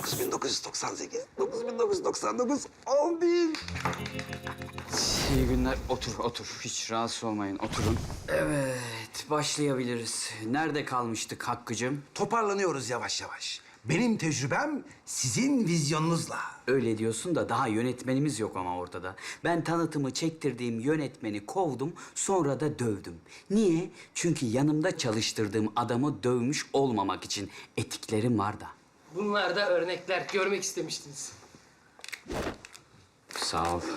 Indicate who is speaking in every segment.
Speaker 1: 9998, 9999, 10.000.
Speaker 2: İyi günler. Otur. Hiç rahatsız olmayın. Oturun. Evet, başlayabiliriz. Nerede kalmıştık Hakkı'cığım?
Speaker 1: Toparlanıyoruz yavaş yavaş. Benim tecrübem sizin vizyonunuzla.
Speaker 2: Öyle diyorsun da daha yönetmenimiz yok ama ortada. Ben tanıtımı çektirdiğim yönetmeni kovdum, sonra da dövdüm. Niye? Çünkü yanımda çalıştırdığım adamı dövmüş olmamak için. Etiklerim var da.
Speaker 3: Bunlar da örnekler. Görmek istemiştiniz.
Speaker 2: Sağ ol.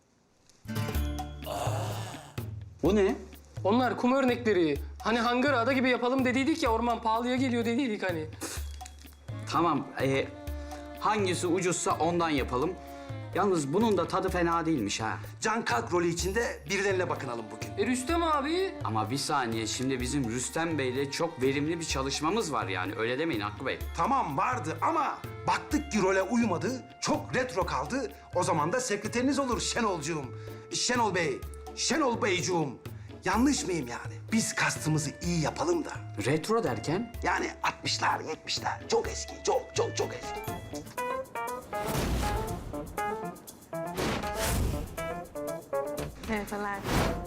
Speaker 2: Bu ne?
Speaker 3: Onlar kum örnekleri. Hani hangar ada gibi yapalım dediydik ya, orman pahalıya geliyor dediydik hani.
Speaker 2: Tamam, hangisi ucuzsa ondan yapalım. Yalnız bunun da tadı fena değilmiş ha.
Speaker 1: Can Kalk rolü içinde birilerine bakınalım bugün.
Speaker 3: Rüstem abi.
Speaker 2: Ama bir saniye, şimdi bizim Rüstem Bey'le çok verimli bir çalışmamız var yani. Öyle demeyin Hakkı Bey.
Speaker 1: Tamam vardı ama baktık ki role uymadı, çok retro kaldı. O zaman da sekreteriniz olur Şenolcuğum. Şenol Bey, Şenol Beycuğum. Yanlış mıyım yani? Biz kastımızı iyi yapalım da.
Speaker 2: Retro derken?
Speaker 1: Yani 60'lar, 70'ler. Çok eski, çok eski.
Speaker 4: Merhabalar.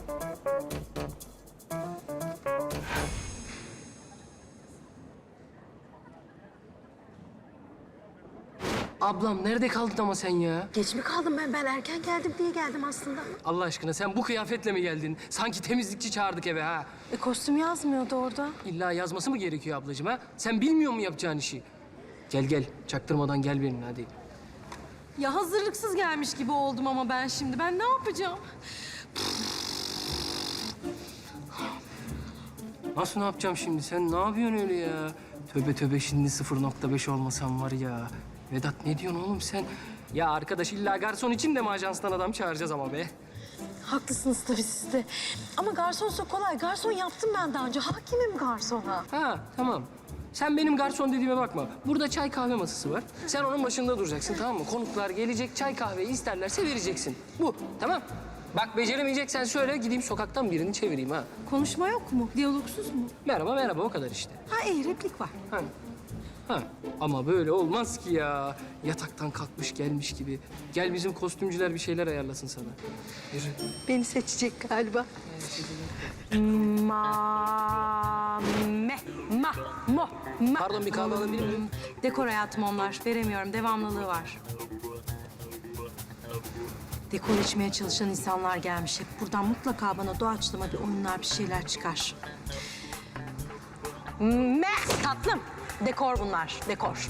Speaker 3: Ablam nerede kaldın ama sen ya?
Speaker 4: Geç mi kaldım ben? Ben erken geldim diye geldim aslında.
Speaker 3: Allah aşkına sen bu kıyafetle mi geldin? Sanki temizlikçi çağırdık eve ha.
Speaker 4: Kostüm yazmıyordu orada.
Speaker 3: İlla yazması mı gerekiyor ablacığım ha? Sen bilmiyor musun yapacağın işi? Gel, çaktırmadan gel benimle hadi.
Speaker 4: Ya hazırlıksız gelmiş gibi oldum ama ben şimdi. Ben ne yapacağım?
Speaker 3: Nasıl ne yapacağım şimdi? Sen ne yapıyorsun öyle ya? Tövbe şimdi 0.5 olmasam var ya. Vedat ne diyorsun oğlum sen? Ya arkadaş illa garson için de mi ajanstan adam çağıracağız ama be?
Speaker 4: Haklısınız tabii siz de. Ama garsonsa kolay. Garson yaptım ben daha önce. Hakimim garsona.
Speaker 3: Ha tamam. Sen benim garson dediğime bakma. Burada çay kahve masası var. Sen onun başında duracaksın, tamam mı? Konuklar gelecek, çay kahveyi isterlerse vereceksin. Bu, tamam. Bak beceremeyeceksen söyle, gideyim sokaktan birini çevireyim ha.
Speaker 4: Konuşma yok mu? Diyalogsuz mu?
Speaker 3: Merhaba o kadar işte.
Speaker 4: Ha iyi replik var.
Speaker 3: Ha. Ama böyle olmaz ki ya. Yataktan kalkmış gelmiş gibi. Gel bizim kostümcüler bir şeyler ayarlasın sana. Yürü.
Speaker 4: Beni seçecek galiba.
Speaker 3: Pardon, bir kahve alabilir miyim?
Speaker 4: Dekor hayatım onlar. Veremiyorum. Devamlılığı var. Dekor içmeye çalışan insanlar gelmiş hep. Buradan mutlaka bana doğaçlama bir oyunlar, bir şeyler çıkar. Tatlım. Dekor bunlar. Dekor.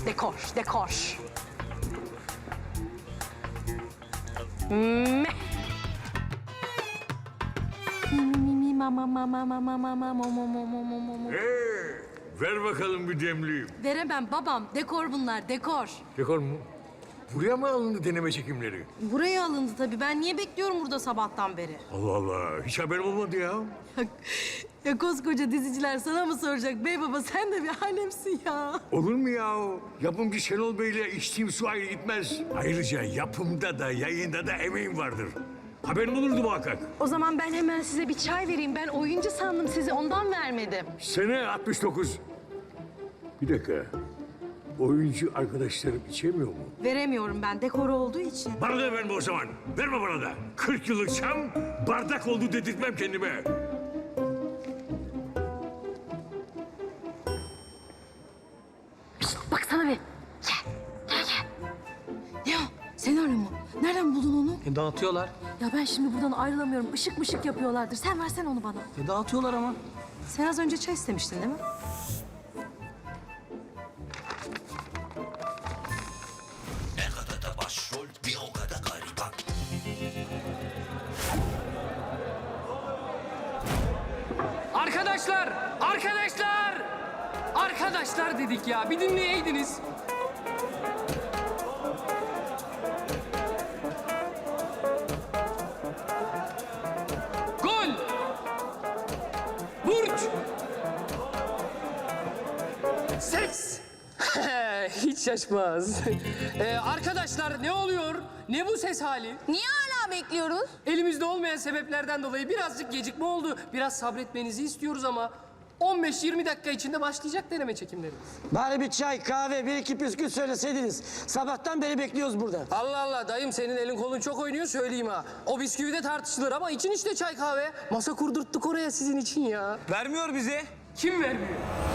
Speaker 5: Ver bakalım bir demliğim.
Speaker 4: Veremem babam. Dekor bunlar. Dekor.
Speaker 5: Dekor mu? Buraya mı alındı deneme çekimleri?
Speaker 4: Buraya alındı tabii. Ben niye bekliyorum burada sabahtan beri?
Speaker 5: Allah Allah, hiç haberim olmadı ya.
Speaker 4: Ya koskoca diziciler sana mı soracak? Bey baba sen de bir alemsin ya.
Speaker 5: Olur mu ya? Yapımcı Şenol Bey'le içtiğim su ayrı gitmez. Ayrıca yapımda da yayında da emeğim vardır. Haberim olurdu muhakkak.
Speaker 4: O zaman ben hemen size bir çay vereyim. Ben oyuncu sandım sizi. Ondan vermedim.
Speaker 5: Sene 69. Bir dakika. Oyuncu arkadaşlarım içemiyor mu?
Speaker 4: Veremiyorum ben. Dekor olduğu için.
Speaker 5: Bana da verme o zaman. Verme bana da. 40 yıllık çam bardak oldu dedirtmem kendime.
Speaker 4: Baksana bir. Gel. Ne o? Senaryo mu? Nereden buldun onu?
Speaker 3: Dağıtıyorlar.
Speaker 4: Ya ben şimdi buradan ayrılamıyorum. Işık mışık yapıyorlardır. Sen versene onu bana.
Speaker 3: Dağıtıyorlar ama.
Speaker 4: Sen az önce çay istemiştin değil mi?
Speaker 6: Ne kadar da başrol bir o kadar gariban.
Speaker 3: Arkadaşlar dedik ya, bir dinleyeydiniz. Gol! Burç! Ses! Hiç şaşmaz. Arkadaşlar ne oluyor? Ne bu ses hali?
Speaker 7: Niye hala bekliyoruz?
Speaker 3: Elimizde olmayan sebeplerden dolayı birazcık gecikme oldu. Biraz sabretmenizi istiyoruz ama 15-20 dakika içinde başlayacak deneme çekimlerimiz.
Speaker 7: Bari bir çay, kahve, bir iki püskül söyleseydiniz. Sabahtan beri bekliyoruz burada.
Speaker 3: Allah Allah dayım senin elin kolun çok oynuyor söyleyeyim ha. O bisküvi de tartışılır ama için işte çay kahve. Masa kurdurttuk oraya sizin için ya.
Speaker 2: Vermiyor bize.
Speaker 3: Kim vermiyor?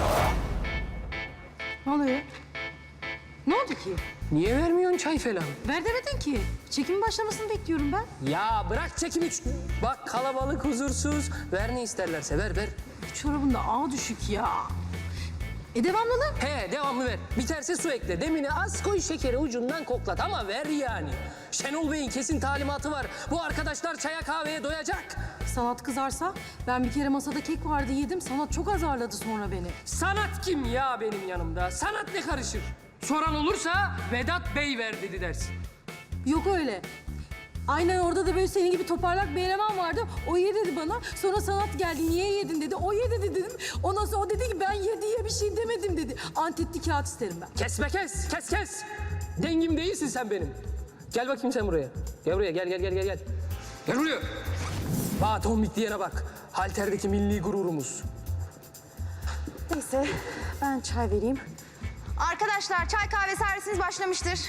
Speaker 4: Ne oluyor? Ne oldu ki?
Speaker 3: Niye vermiyorsun çay falan?
Speaker 4: Ver demedin ki. Çekimin başlamasını bekliyorum ben.
Speaker 3: Ya bırak çekimi. Bak kalabalık huzursuz. Ver ne isterlerse ver.
Speaker 4: Bu çorabın da ağa düşük ya. Devamlılık.
Speaker 3: He devamlı ver. Biterse su ekle. Demini az koy şekeri ucundan koklat ama ver yani. Şenol Bey'in kesin talimatı var. Bu arkadaşlar çaya kahveye doyacak.
Speaker 4: Sanat kızarsa ben bir kere masada kek vardı yedim. Sanat çok azarladı sonra beni.
Speaker 3: Sanat kim ya benim yanımda? Sanat ne karışır? Soran olursa Vedat Bey ver dedi dersin.
Speaker 4: Yok öyle. Aynen orada da böyle senin gibi toparlak bir eleman vardı. O ye dedi bana. Sonra Sanat geldi. Niye yedin dedi. O ye dedi dedim. Ondan sonra o dedi ki ben ye diye bir şey demedim dedi. Antetli kağıt isterim ben.
Speaker 3: Kesme kes. Dengim değilsin sen benim. Gel bakayım sen buraya. Gel buraya gel. Gel buraya. Bak tombik diyene bak. Halterdeki milli gururumuz.
Speaker 4: Neyse ben çay vereyim.
Speaker 8: Arkadaşlar çay kahve servisiniz başlamıştır.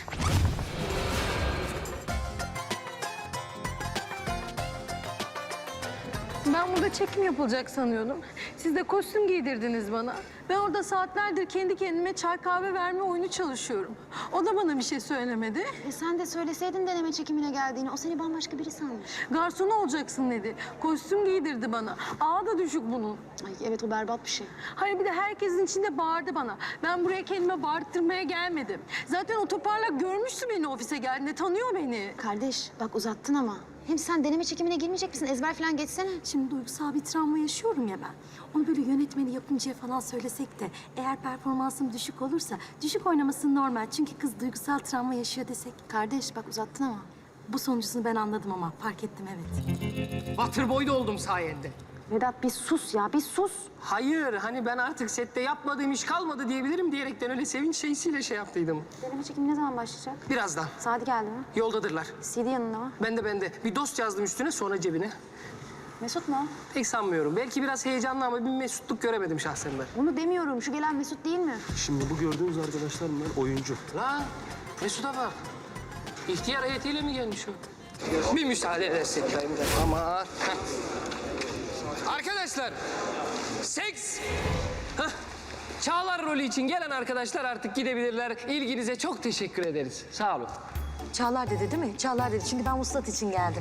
Speaker 4: Ben burada çekim yapılacak sanıyordum. Siz de kostüm giydirdiniz bana. Ben orada saatlerdir kendi kendime çay kahve verme oyunu çalışıyorum. O da bana bir şey söylemedi.
Speaker 8: Sen de söyleseydin deneme çekimine geldiğini. O seni bambaşka biri sanmış.
Speaker 4: Garson olacaksın dedi. Kostüm giydirdi bana. Ağa da düşük bunun.
Speaker 8: Ay evet o berbat bir şey.
Speaker 4: Hayır bir de herkesin içinde bağırdı bana. Ben buraya kendime bağırttırmaya gelmedim. Zaten o toparlak görmüştü beni ofise geldiğinde. Tanıyor beni.
Speaker 8: Kardeş bak uzattın ama. Hem sen deneme çekimine girmeyecek misin? Ezber falan geçsene.
Speaker 4: Şimdi duygusal bir travma yaşıyorum ya ben. Onu böyle yönetmeni yapımcıya falan söylesek de eğer performansım düşük olursa düşük oynaması normal. Çünkü kız duygusal travma yaşıyor desek.
Speaker 8: Kardeş bak uzattın ama.
Speaker 4: Bu sonucunu ben anladım ama fark ettim evet.
Speaker 3: Waterboy da oldum sayende.
Speaker 8: Vedat bir sus ya bir sus.
Speaker 3: Hayır hani ben artık sette yapmadığım iş kalmadı diyebilirim diyerekten öyle sevinç şeysiyle şey yaptıydım.
Speaker 8: Deneme çekimi ne zaman başlayacak?
Speaker 3: Birazdan.
Speaker 8: Saati geldi mi?
Speaker 3: Yoldadırlar.
Speaker 8: CD yanında mı?
Speaker 3: Ben de. Bir dost yazdım üstüne sonra cebine.
Speaker 8: Mesut mu?
Speaker 3: Pek sanmıyorum. Belki biraz heyecanlı ama bir mesutluk göremedim şahsen ben.
Speaker 8: Onu demiyorum. Şu gelen Mesut değil mi?
Speaker 9: Şimdi bu gördüğünüz arkadaşlar bunlar oyuncu.
Speaker 3: La Mesut'a bak. İhtiyar heyetiyle mi gelmiş o? Bir müsaade edersin dayım. Ama. Arkadaşlar. Seks. Hah. Çağlar rolü için gelen arkadaşlar artık gidebilirler. İlginize çok teşekkür ederiz. Sağ olun.
Speaker 4: Çağlar dedi değil mi? Çağlar dedi çünkü ben vuslat için geldim.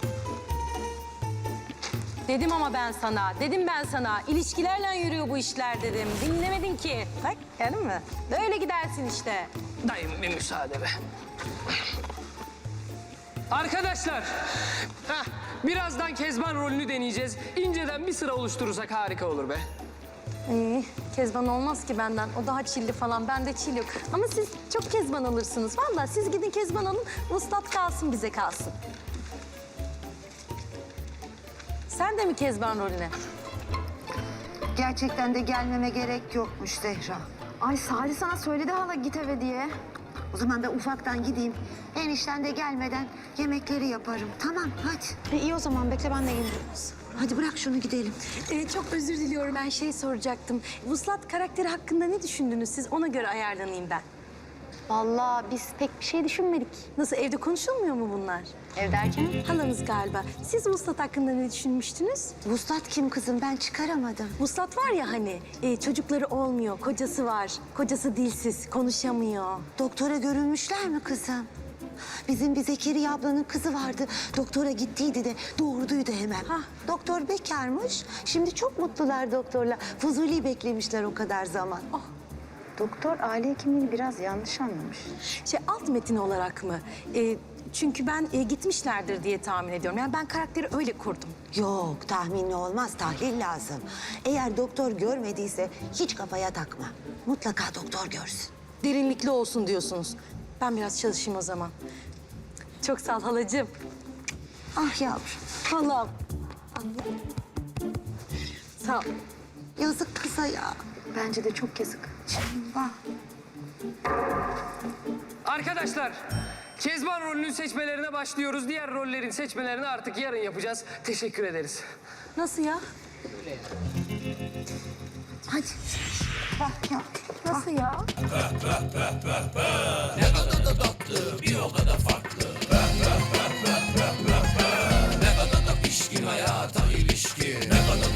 Speaker 4: Dedim ama ben sana, dedim ben sana. İlişkilerle yürüyor bu işler dedim. Dinlemedin ki. Bak gördün mü? Böyle gidersin işte.
Speaker 3: Dayım bir müsaade be. Arkadaşlar. Hah, birazdan Kezban rolünü deneyeceğiz. İnceden bir sıra oluşturursak harika olur be.
Speaker 4: Kezban olmaz ki benden. O daha çilli falan. Bende çil yok. Ama siz çok Kezban alırsınız. Vallahi siz gidin Kezban alın. Vuslat kalsın bize kalsın. Sen de mi Kezban rolüne?
Speaker 10: Gerçekten de gelmeme gerek yokmuş Zehra.
Speaker 8: Ay Salih sana söyledi hala git eve diye.
Speaker 10: O zaman ben ufaktan gideyim. Enişten de gelmeden yemekleri yaparım. Tamam hadi.
Speaker 8: İyi o zaman bekle ben de gelirim.
Speaker 10: Hadi bırak şunu gidelim.
Speaker 4: Çok özür diliyorum. Ben şey soracaktım. Vuslat karakteri hakkında ne düşündünüz siz? Ona göre ayarlanayım ben.
Speaker 8: Vallahi biz pek bir şey düşünmedik.
Speaker 4: Nasıl evde konuşulmuyor mu bunlar?
Speaker 8: Ev derken?
Speaker 4: Halanız galiba. Siz Vuslat hakkında ne düşünmüştünüz?
Speaker 10: Vuslat kim kızım? Ben çıkaramadım.
Speaker 4: Vuslat var ya hani çocukları olmuyor, kocası var. Kocası dilsiz, konuşamıyor.
Speaker 10: Doktora görünmüşler mi kızım? Bizim bir Zekeriya ablanın kızı vardı. Doktora gittiydi de doğurduydu hemen.
Speaker 4: Hah.
Speaker 10: Doktor bekarmış. Şimdi çok mutlular doktorla. Fuzuli beklemişler o kadar zaman.
Speaker 8: Doktor aile hekimliğini biraz yanlış anlamış.
Speaker 4: Alt metin olarak mı? Çünkü ben gitmişlerdir diye tahmin ediyorum. Yani ben karakteri öyle kurdum.
Speaker 10: Yok tahminli olmaz, tahlil lazım. Eğer doktor görmediyse hiç kafaya takma. Mutlaka doktor görsün.
Speaker 4: Derinlikli olsun diyorsunuz. Ben biraz çalışayım o zaman. Çok sağ ol halacığım.
Speaker 10: Ah yavrum,
Speaker 4: Halam. Sağ ol.
Speaker 10: yazık kıza ya.
Speaker 8: Bence de çok yazık.
Speaker 10: Vah.
Speaker 3: Arkadaşlar, Kezban rolünün seçmelerine başlıyoruz. Diğer rollerin seçmelerini artık yarın yapacağız. Teşekkür ederiz.
Speaker 4: Nasıl ya? Hadi. Nasıl ya?
Speaker 6: Ne kadar da tatlı bir o kadar farklı. Ne kadar da pişkin hayata ilişkin. Ne kadar